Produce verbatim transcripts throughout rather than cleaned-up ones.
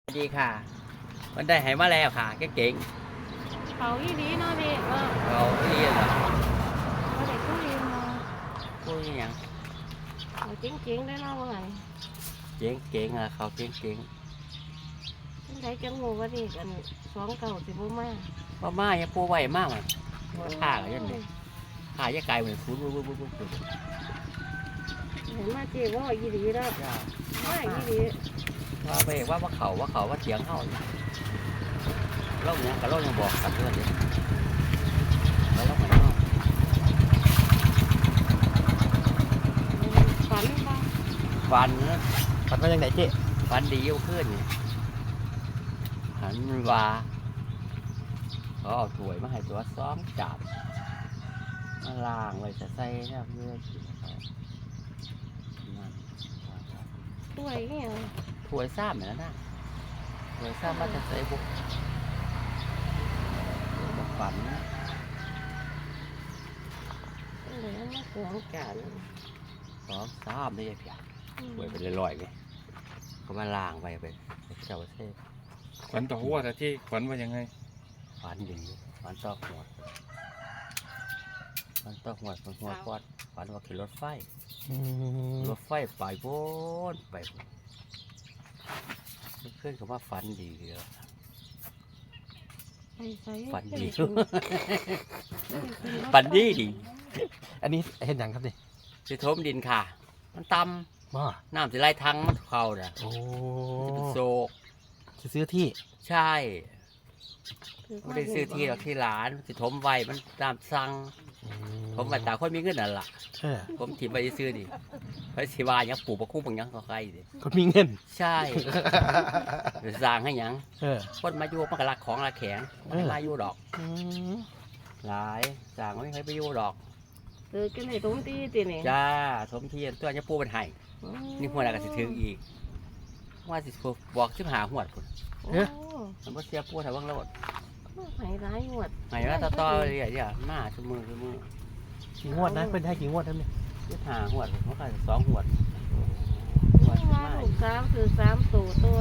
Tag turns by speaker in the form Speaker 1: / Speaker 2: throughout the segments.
Speaker 1: ดีค่ะมันได้หายมาแล้วค่ะเก่ง
Speaker 2: เขาอีดีเนาะเด็กเออ
Speaker 1: ๆเราเรียนเหรอ
Speaker 2: เขาเด็กผู้เรียนมา
Speaker 1: พูดอย่าง
Speaker 2: เขาเจ๋งๆได้เนาะว่าไง
Speaker 1: เก่งเก่งอ่ะเขาเก่งเก่ง
Speaker 2: ท่านใดจังงูว่าเด็กกันสองเก่าสิบ่มา
Speaker 1: ว่ามาอย่าปูไวมากมันว่าท่าอะไรยันเนี่ยท่าจะกลายเหมือนฟูดวุ้บวุ้บวุ้บวุ้บ
Speaker 2: เห็นมาเจ๊ว่าอีดีแล้วว่าอีดี
Speaker 1: ว่าไปว่าว่าเขาว่าเขาว่าเถียงเขาเล่าเนี่ยกับเล่ายังบอกกันด้วยเลยแล้วเล่ามันเนาะ
Speaker 2: ฝันบ้าง
Speaker 1: ฟันนะ
Speaker 3: ฝันว่าอย่างไหนเจ๊
Speaker 1: ฟันดียิ่งขึ้นเนี่ยหันว่าเขาเอาถ้วยมาให้ตัวซ้อมจับมาล้างไว้จะใส่เนี่ยเพื่อกินเขานั่น
Speaker 2: ตัวอย่างเงี้ย
Speaker 1: ถวยซ้ำเหมือนกันนะถวยซ้ำมาจะใส่บุกบุกฝัน
Speaker 2: เหลือมาสองจาน
Speaker 1: สองซ้ำได้ยังเพียงถวยไปลอยๆไงก็มาล้างไปไปเจ้าเซ่
Speaker 4: ขวัญต่อหัวแต่ที่ขวัญว่ายังไง
Speaker 1: ฝันดีฝันตอกหัวฝันตอกหัวฝันหัวปอดฝันว่าขี่รถไฟรถไฟไปโบนไปเพื่อนเขาว่าฝันดีเลย ฝันดี ฝันดีดี
Speaker 3: อันนี้เห็นอย่างครับนี่
Speaker 1: สิทมดินค่ะ มันต
Speaker 3: บ่
Speaker 1: ำน้ำสิไล่ทั้งมันเข้าเด้อ
Speaker 3: โอ้
Speaker 1: จะเป็นโศก
Speaker 3: จะซื้อที่
Speaker 1: ใช่ไม่ได้ซื้อที่หรอกที่ร้านสิทมไว้มันตามสั่งผมมาตาคนมีเงินนั่นล่ะ
Speaker 3: เออ
Speaker 1: ผมถิ่มไปซื้อดิเพราะสิว่าหยังปลูกปะคุ้งปังหยังก็ใครดิ
Speaker 3: คนมีเงิน
Speaker 1: ใช่สร้างให้หยัง
Speaker 3: เออ
Speaker 1: คนมาอยู่มันก็รักของรักแข็งไม่มาอยู่ดอก
Speaker 3: อืม
Speaker 1: หลายสร้างไม่เคยไปอยู่ดอก
Speaker 2: เออกันในตรงที่ตีนี่
Speaker 1: จ้าสมเทียนตัวนี้ปูเป็นไห้นี่หัวหน้าก็สิถึงอีกว่าสิบอกสิบหาหัวดพุ่น
Speaker 2: โอ้
Speaker 1: มันบ่เสียปูแต่ว่างโลด
Speaker 2: หายร้ายหมด
Speaker 1: ไห้ว่าต่อต่อเลยอ่ะมาชั่วมือชั่วมือ
Speaker 3: กี่งวดนะเป็นให้กี่งวดครับเนี่ย
Speaker 1: สิบหาหัวดมันก็สองหัวดหัวด
Speaker 2: มา
Speaker 1: มา
Speaker 2: ลูกสาวคือสามตัวโตด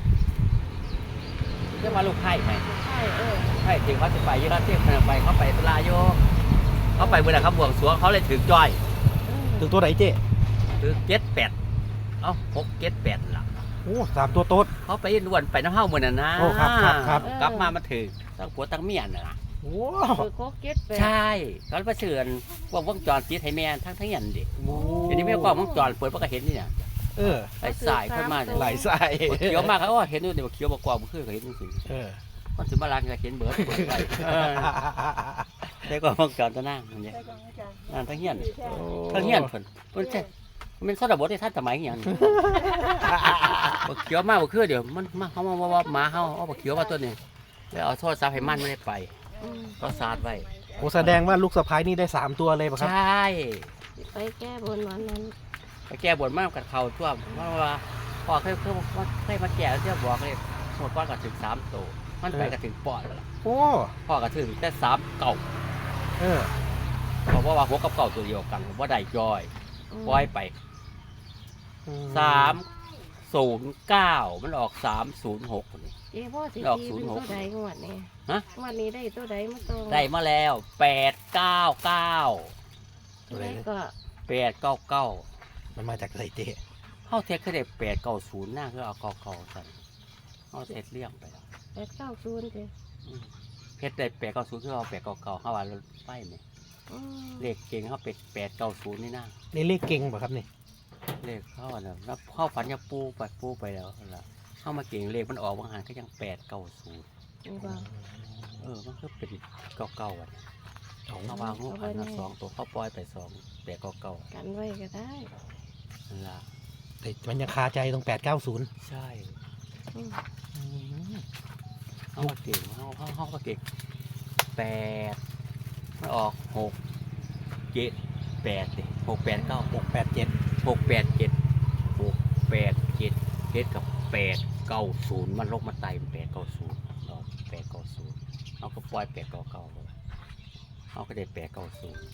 Speaker 1: เรียกว่าลูกไผ่ไหม
Speaker 2: ใช่เออ
Speaker 1: ไผ่ที่เขาจะไปยี่ห้อเทียบขนาดไปเขาไปตลาโยเขาไปเวลาเขาบวงสรวงเขาเลยถือจ้อย
Speaker 3: ถึงตัวไหนเจ๊
Speaker 1: ถือเก็ดแปดเอ้าหกเก็ดแปดล่ะ
Speaker 3: โอ้สามตัวโต๊ด
Speaker 1: เขาไปล้วนไปน้ำเฮ้าเหมือนน่ะนะ
Speaker 3: โอ้ครับครับครับ
Speaker 1: กลับมามาถือตั้งผัวตั้งเมียน่ะนะ
Speaker 3: โอ้
Speaker 2: คือโคกเก็ตไป
Speaker 1: ใช่เขาไปเสื่อนวงวงจรติดให้แม่ทั้งทั้งยันดิ
Speaker 3: โห
Speaker 1: เดี๋ยวนี้ไม่กล้องวงจรเปิดมันก็เห็นนี่เนี่ย
Speaker 3: เออ
Speaker 1: ไอ้สายขึ้นมาเนี่ย
Speaker 3: ไหลใส่
Speaker 1: เขียวมากเขาก็เห็นด้วยเดี๋ยวเขียวบกว่ามันคือเขาเห็นจริง
Speaker 3: เออ
Speaker 1: ๆมันถึงมาล้างก็เห็นเบิร์ดเบิร์ดไปได้กล้องวงจรตัวนั่งมันเนี่ยนั่นทั้งเฮียนทั้งเฮียนเพิ่นเพิ่นใช่มันสอดบทที่ท่านสมัยอย่างนี้บกเขียวมากบกคือเดี๋ยวมันมาเขามาว่าหมาเขาเอาบกเขียวมาตัวนี้แล้วเอาโทษซาให้มันไม่ได้ไปก็ซาดไว้
Speaker 3: โอ้แสดงว่าลูกสะพ้ายนี่ได้สามตัวเลยป่ะครับ
Speaker 1: ใช่
Speaker 2: ไปแก้บนวันนั้น
Speaker 1: ไปแก้บนมากกับเขาทั่วเพราะว่าพ่อเคยเคยเคยมาแก้แล้วเที่ยวบอกเลยหมดก้อนก็ถึงสามโตมันไปก็ถึงปอดแล้วล่ะ
Speaker 3: โอ้
Speaker 1: พ่อก็ถึงแต่สามเก่า
Speaker 3: เออ
Speaker 1: เพราะว่าหัวกับเก่าตัวเดียวกันว่าได้จอยปล่อยไปสามศูนย์เก้ามันออกสามศูนย์หกคนนี้
Speaker 2: เจ๊พ่อสิ
Speaker 1: ดอก
Speaker 2: ตี
Speaker 1: ศูนย์
Speaker 2: เป็น
Speaker 1: หก
Speaker 2: ตัวใดงวดนี้
Speaker 1: ฮะ
Speaker 2: งวันนี้ได้ตัวใดมาโต
Speaker 1: ได้มาแล้วแปดเก้าเก้า
Speaker 2: ตัวใดก็
Speaker 1: แปดเก้าเก้า
Speaker 3: มันมาจากไหนเจ๊
Speaker 1: เข้าเทคเคยได้แปดเก้าศูนย์หน้าคือเอาเก้าเก้าสั่นเข้าเทคเลี่ยงไปแล้ว
Speaker 2: แปดเก้าศูนย์เจ๊
Speaker 1: เพชรได้แปดเก้าศูนย์คือเอาแปดเก้าเก้าเข้าวันรถไฟไหม
Speaker 2: อืม
Speaker 1: เลขเก่งเขาเป็ดแปดเก้าศูนย์นี่นะ
Speaker 3: นี่เลขเก่งป่ะครับนี่
Speaker 1: เลขเข้าอ่ะนะแล้วเข้าฝันยาปูไปปูไปแล้วนั่นล่ะเข้ามาเก่งเลขมันออกบางหันก็ยังแปดเก้าศูนย์
Speaker 2: นี่บ่
Speaker 1: เออมันก็เป็นเก้าเก้าอ่ะ
Speaker 3: โอ้
Speaker 1: เข้าวางหูหันมาสองตัวเข้าปล่อยไปสองแปดเก้าเก้า
Speaker 2: กันไว้ก็ได้
Speaker 1: นั่นล่ะ
Speaker 3: แต่มันยังคาใจตรงแปดเก้าศูนย์
Speaker 1: ใช่
Speaker 2: อืม
Speaker 1: เข้ามาเก่งเข้าเข้าเข้ามาเก่งแปดมันออกหกเจ็ดแปดดิหกแปดเก้า
Speaker 3: หกแปดเจ็ด
Speaker 1: หกแปดเจ็ดหกแปดเจ็ดเจ็ดกับแปดเก้าศูนย์มันลงมาไต่แปดเก้าศูนย์เราแปดเก้าศูนย์เอาก็ปล่อยแปดเก้าเก้าเลยเอาก็ได้แปดเก้าศูนย์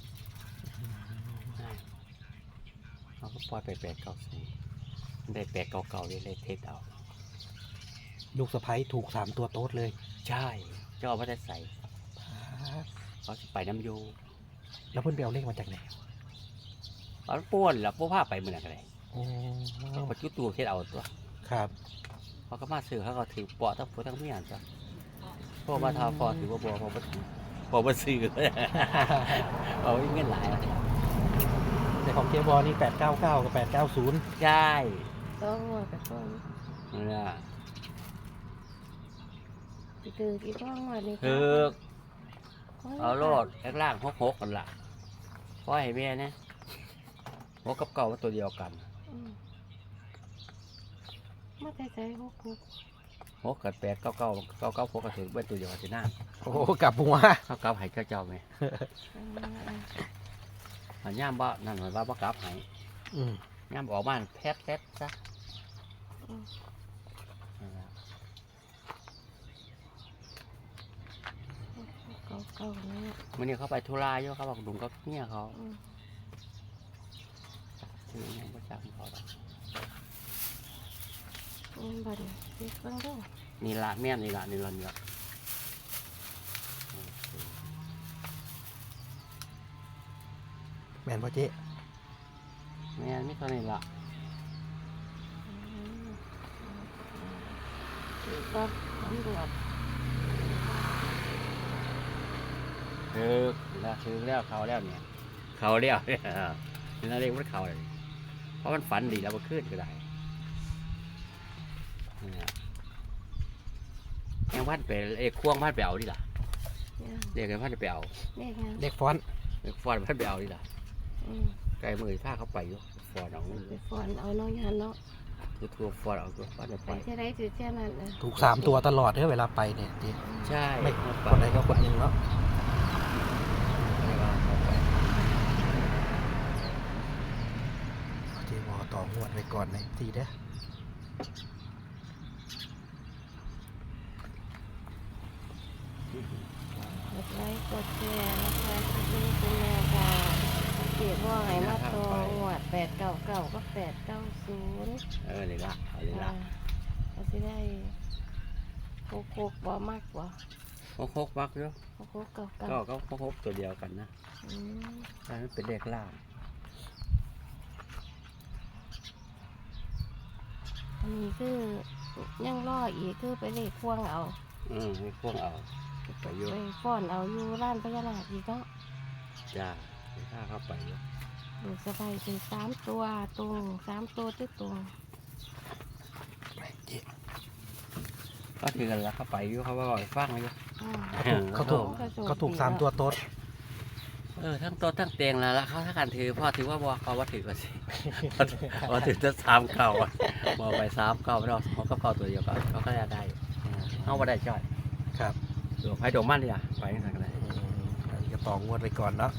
Speaker 1: เอาก็ปล่อยไปแปดเก้าศูนย์ได้แปดเก้าเก้าเลยเลยเทสเอา
Speaker 3: ลูกสะใภ้ถูกสามตัวโต๊ดเลย
Speaker 1: ใช่เจ้าว่าจะใส่เขาสิไปน้ำโย
Speaker 3: แล้วเพื่อนไปเอาเลขมาจากไหน
Speaker 1: เอาป้วนแล้วป้วผ้าไปเมื่อไหร่
Speaker 3: โอ้
Speaker 1: เขาปัจจุตัวเฮ็ดเอาตัว
Speaker 3: ครับ
Speaker 1: เขาก็มาซื้อเขาก็ถือปอทั้งผัวทั้งเมียจ้ะพ่อมาทาพอถือว่าบัวพอมาพอมาซื้อ เอาเงินหลายอะ
Speaker 3: ในของเจบอนี่แปดเก้าเก้ากับแปดเก้าศูนย์
Speaker 1: ใช่
Speaker 2: ต้องหัวกับต้น
Speaker 1: นั่นน่ะ
Speaker 2: สิคืออีกต้องหัวนี่
Speaker 1: คือเอาโลดแล่างหกหกกันล่ะเพราะให้แม่เนี่ยหกกับเก่ามันตัวเดียวกัน
Speaker 2: อืมมาใจใจหกหก
Speaker 1: หกกับแปดเก้าเก้าเก้าเก้าหกก็ถือเป็นตัวเดียวกันสิหน้า
Speaker 3: โอ้กลับหัว
Speaker 1: เก้าเก้าให้เจ้าเจ้าไหม อันย่ามบ่นั่นหมายว่าบ่กลับให้
Speaker 3: อืม
Speaker 1: ย่ามออกบ้านแพทแพทซะนั่นล่ะ
Speaker 2: เก่าเก่าๆนี่
Speaker 1: มื่อนี้เขาไปธุระอยู่เขาบอกดุงกับเมียเขา
Speaker 2: อืม
Speaker 1: คือยังบ่จักเขาดอก
Speaker 2: อืมบัดนี้เด็กเบิ่งเด้อ
Speaker 1: นี่ละแม่นนี่ละนี่ละนี่ละ
Speaker 3: แมนพ่อเจ๊
Speaker 1: แม่นไม่เท่านี้ละ
Speaker 2: อืมอีกก็ตำรวจ
Speaker 1: คือแล้วคือแล้วเขาแล้วเนี่ยเขาแล้วเนี่ยนี่นั่นเรียกว่าเขาเลยเพราะมันฝันดีแล้วมันขึ้นก็ได้เนี่ยยังพันไปเอ้ควงพันไปเอาดิล่ะ
Speaker 2: เนี่ย
Speaker 1: เรียกกันพันไปเอา
Speaker 2: เลขยัง
Speaker 3: เลขฟอนต์
Speaker 1: เรียกฟอนพันไปเอาดิล่ะ
Speaker 2: อืม
Speaker 1: ไกลมือผ้าเขาไปอยู่ฟอนเอาเงิน
Speaker 2: ไปฝอนเอาน้องยันเนาะ
Speaker 1: คือทัวฟอนเอาตัวฟอนไป
Speaker 2: ไปเท่าไรถือเท่านั้นนะ
Speaker 3: ถูกสามตัวตลอดเด้อเวลาไปเนี่ยเจ๊
Speaker 1: ใช่
Speaker 3: ไม่
Speaker 1: เอา
Speaker 3: ค
Speaker 1: ไป
Speaker 3: นใดก็คนหนึ่งเนาะ
Speaker 1: เอาไป
Speaker 3: เจบอต่องวดไว้ก่อนในทีเด้อก
Speaker 2: ดไลค์กดแชร์นะคะที่นี่คุณแม่ค่ะเก็บว่าไงมาโตหวดแปดเก้าเก้าก็แปดเก้าศูนย์
Speaker 1: เออนี่ละเอานี่ละ
Speaker 2: เราจะได้โคกโคกบ่มากกว่า
Speaker 1: หกหกมักอยู่
Speaker 2: โคกโคกเก้าเก้า
Speaker 1: ก็ก็หกหกตัวเดียวกันนะ
Speaker 2: อืม
Speaker 1: ถ้ามันเป็นเลขล่าง
Speaker 2: อันนี้คือยังรออีกคือไปเลขควงเอา
Speaker 1: อืมให้พวกเอาไปอยู่
Speaker 2: ไปฟ้อนเอาอยู่ร้านพญานาคอีกเนาะ
Speaker 1: จ้าให้ข้าเข้าไปอยู่
Speaker 2: ดูสบายถึงสามตัวตรงสามตัวที่ตรง
Speaker 3: ไปเจ๊
Speaker 1: ก็ถือกันแล้วเข้าไปอยู่เขาว่าบอกให้ฟังอยู่
Speaker 2: อืม
Speaker 3: เขาถูกเขาถูกสามตัวโต๊ด
Speaker 1: เออทั้งโตัวทั้งเตียงแล้วละเขาถ้าการถือพ่อถือว่าบอกเขาว่าถือก็สิ พอถือจะสามเก่าอะบอกไปสามเก่าไม่ได้เขาก็เก่าตัวเดียวกันเขาก็ได้ได้อยู่เขาไม่ได้จ่อย
Speaker 3: ครับ
Speaker 1: ดวงไฟดวงมันดิล่ะไปทางไหน
Speaker 3: อืมอันนี้ก็ต่องวดไว้ก่อนเนาะ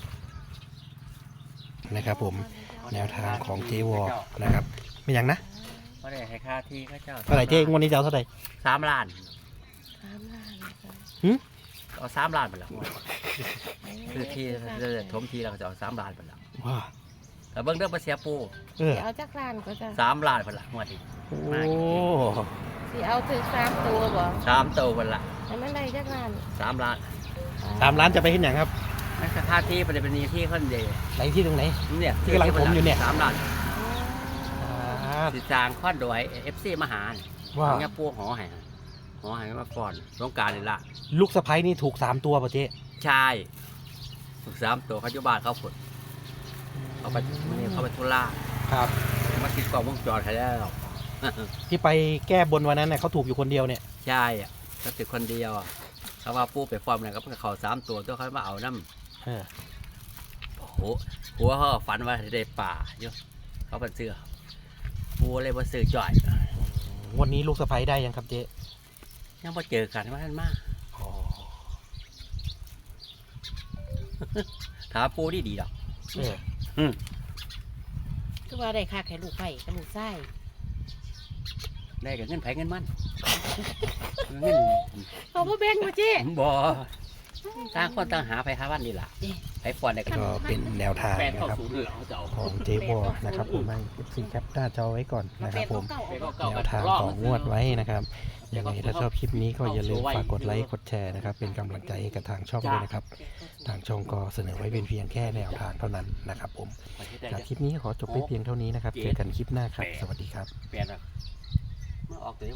Speaker 3: นะครับผมแนวทางของเจวอนะครับไม่ยังนะ
Speaker 1: เขาได้ให้ค่าที่เขาเจ้า
Speaker 3: เท่าไหร่เจ๊งวดนี้จะเอาเท่าไหร่
Speaker 1: สามล้าน
Speaker 2: สามล้านนะคะ
Speaker 1: เอาสามล้านไปแล้วคือที่จะถมทีเราก็จะเอาสามล้านไปแล้ว
Speaker 3: ว้า
Speaker 1: แต่เบิ้งเรื่องภาษีปู
Speaker 3: เออ
Speaker 2: สิเอาจักล้านก็จะ
Speaker 1: สามล้านไปละงวดนี้
Speaker 3: โอ้
Speaker 2: สิเอาถึงสามตัวบ่
Speaker 1: สามโตไปละ
Speaker 2: แต่มันได้จักล้าน
Speaker 1: สามล้าน
Speaker 3: สามล้านจะไปขึ้นอย่างครับ
Speaker 1: นั่นคือค่าที่เป็นเป็นที่ขึ้นเดียว
Speaker 3: ไหนที่ตรงไหน
Speaker 1: เนี่ย
Speaker 3: ที่กำลังถมอยู่เนี่ย
Speaker 1: สามล้าน
Speaker 3: อ่า
Speaker 1: สิจางข้อนโดยเอฟซีมหาเนี่ย
Speaker 3: ว่า
Speaker 1: เนี่ยปูหอให้หอให้มาก่อนสงกรารนี่ละ
Speaker 3: ลูกสะใภ้นี่ถูกสามตัวป่ะเจ๊
Speaker 1: ใช่ถูกสามตัวเขาอยู่บ้านเขาฝนเขาไปมันนี่เขาไปทุล่า
Speaker 3: ครับ
Speaker 1: มาติดกล้องวงจรให้แล้ว
Speaker 3: ที่ไปแก้บนวันนั้นเนี่ยเขาถูกอยู่คนเดียวเนี่ย
Speaker 1: ใช่อะเขาติดคนเดียวอะเขาว่าปูไปฟอร์มอะไรก็เพิ่งเขาสามตัวตัวเขามาเอาน้ำ
Speaker 3: เออ
Speaker 1: หัวหัวเขาก็ฝันว่าได้ป่าอยู่เขาเป็นเสือปูเลยมาซื้อจ่อย
Speaker 3: วันนี้ลูกสะใภ้ได้ยังครับเจ๊
Speaker 1: ยังมาเจอกันว่าท่านมา
Speaker 3: อ๋อ
Speaker 1: ถามปูดีดีๆดอก
Speaker 3: เออ
Speaker 1: อืม
Speaker 2: คือว่าได้ค่าไข่ลูกไผ่กับลูกไส้
Speaker 1: ได้กับเงินไผเงินมันเงิน
Speaker 2: เขาบ่แบ่งบ่เจ๊
Speaker 1: บ่ต่างคนต่างหาไปหาวันนี่ล่ะไปฟอนได้
Speaker 3: ก็เป็นแนวทาง
Speaker 1: แปด
Speaker 3: นะ
Speaker 1: เข้า
Speaker 3: ครับ
Speaker 1: ศูนย์เลยเขาจะเอา
Speaker 3: ของเจวอนะครับผมให้เอฟซีแคปหน้าจอไว้ก่อนนะครับผม
Speaker 1: แปดเก้า
Speaker 3: แน
Speaker 1: เก้าว
Speaker 3: ทางต่องวดไว้นะครับยังไงถ้าชอบคลิปนี้ก็อย่าลืมฝากกดไลค์กดแชร์นะครับเป็นกำลังใจให้กับทางช่องด้วยนะครับทางช่องก็เสนอไว้เป็นเพียงแค่แนวทางเท่านั้นนะครับผมจากคลิปนี้ขอจบไปเพียงเท่านี้นะครับเจอกันคลิปหน้าครับสวัสดีครับ
Speaker 1: เปลี่ยนอ่ะมันออกตัว